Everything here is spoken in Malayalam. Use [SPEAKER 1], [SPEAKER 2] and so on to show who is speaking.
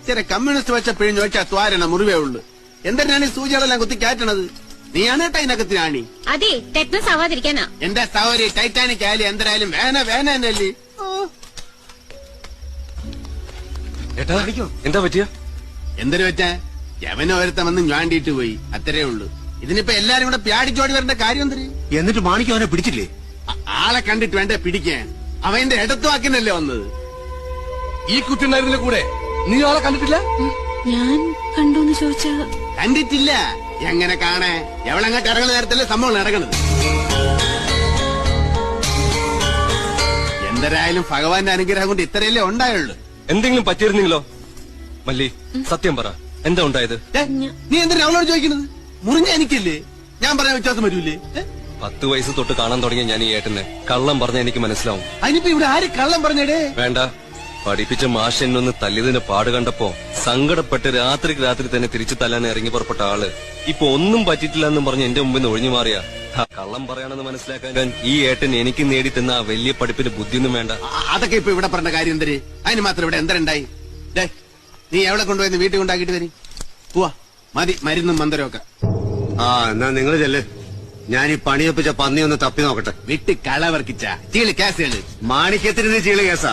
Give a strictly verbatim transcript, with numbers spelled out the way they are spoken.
[SPEAKER 1] ചില കമ്മ്യൂണിസ്റ്റ് വെച്ച പിഴിഞ്ഞു വെച്ചാ ത്വാരണ മുറിവേ ഉള്ളു. എന്തിനാണ് ഈ സൂചികളെല്ലാം കുത്തി കയറ്റണത്? നീയാണ് ടൈനകത്തിനാണി.
[SPEAKER 2] അതെ, ടെക്നസ് ആവാതിരിക്കാനാ.
[SPEAKER 1] എന്റെ സൗരി ടൈറ്റാനിക് ആയാലും എന്തരായാലും വേന വേന എന്നല്ലേ.
[SPEAKER 3] എന്താ പറ്റിയ?
[SPEAKER 1] എന്തൊരു വെച്ചാ യവന ഒരുത്ത വന്ന് ഞാണ്ടിട്ട് പോയി, അത്രേ ഉള്ളു. ഇതിനിപ്പോ എല്ലാരും കൂടെ പ്യാടിച്ചോടി വരേണ്ട കാര്യം എന്തിന്?
[SPEAKER 4] എന്നിട്ട് മാണിക്ക് അവനെ പിടിച്ചില്ലേ?
[SPEAKER 1] ആളെ കണ്ടിട്ട് വേണ്ടേ പിടിക്കാൻ? അവന്റെ ഇടത്തു വാക്കിനല്ലേ വന്നത്.
[SPEAKER 3] ഈ കുട്ടിണ്ടായിരുന്നില്ല കൂടെ? നീ ആളെ കണ്ടിട്ടില്ല?
[SPEAKER 2] ഞാൻ കണ്ടോന്ന് ചോദിച്ചാ
[SPEAKER 1] കണ്ടിട്ടില്ല. എങ്ങനെ കാണേ? എവളങ്ങോട്ട് ഇറങ്ങുന്ന നേരത്തല്ലേ സംഭവം നടക്കണത്. എന്തരായാലും ഭഗവാന്റെ അനുഗ്രഹം കൊണ്ട് ഇത്രയല്ലേ ഉണ്ടായുള്ളൂ.
[SPEAKER 3] എന്തെങ്കിലും പറ്റിയിരുന്നെങ്കിലോ? മല്ലി, സത്യം പറ, എന്താ ഉണ്ടായത്?
[SPEAKER 1] നീ എന്തിനാ അവളോട് ചോദിക്കുന്നത്? മുറിഞ്ഞ എനിക്കല്ലേ, ഞാൻ പറഞ്ഞ വ്യത്യാസം വരൂലേ?
[SPEAKER 3] പത്ത് വയസ്സ് തൊട്ട് കാണാൻ തുടങ്ങിയ ഞാൻ ഈ ഏട്ടനെ കള്ളം പറഞ്ഞ എനിക്ക് മനസ്സിലാവും.
[SPEAKER 1] അതിനിപ്പോ ഇവിടെ ആര് കള്ളം പറഞ്ഞേടേ?
[SPEAKER 3] വേണ്ട, പഠിപ്പിച്ച മാഷ് എന്നൊന്ന് തല്ലിയതിന്റെ പാട് കണ്ടപ്പോ സങ്കടപ്പെട്ട് രാത്രിക്ക് രാത്രി തന്നെ തിരിച്ചു തല്ലാൻ ഇറങ്ങി പുറപ്പെട്ട ആള് ഇപ്പൊ ഒന്നും പറ്റിയിട്ടില്ല എന്നും പറഞ്ഞ് എന്റെ മുമ്പിൽ നിന്ന് ഒഴിഞ്ഞു മാറിയ കള്ളം പറയാണെന്ന് മനസ്സിലാക്കാൻ ഈ ഏട്ടൻ എനിക്ക് നേടി തന്ന ആ വലിയ പഠിപ്പിന് ബുദ്ധിയൊന്നും വേണ്ട.
[SPEAKER 1] അതൊക്കെ ഇപ്പൊ ഇവിടെ പറഞ്ഞ കാര്യം എന്തര്? അതിന് മാത്രം ഇവിടെ എന്തരുണ്ടായി? നീ എവിടെ കൊണ്ടുപോയി വീട്ടിൽ കൊണ്ടാക്കിട്ട് വരി. പോവാ, മതി മരുന്നും മന്ദരവും ഒക്കെ.
[SPEAKER 4] ആ എന്നാ നിങ്ങൾ ചെല്ല്, ഞാൻ ഈ പണിയൊപ്പിച്ച പന്നി ഒന്ന് തപ്പി നോക്കട്ടെ.
[SPEAKER 1] വിട്ട് കളവർക്കിച്ച ചീളി കേസുകള്
[SPEAKER 4] മാണിക്യത്തിന് ചീള് കേസാ.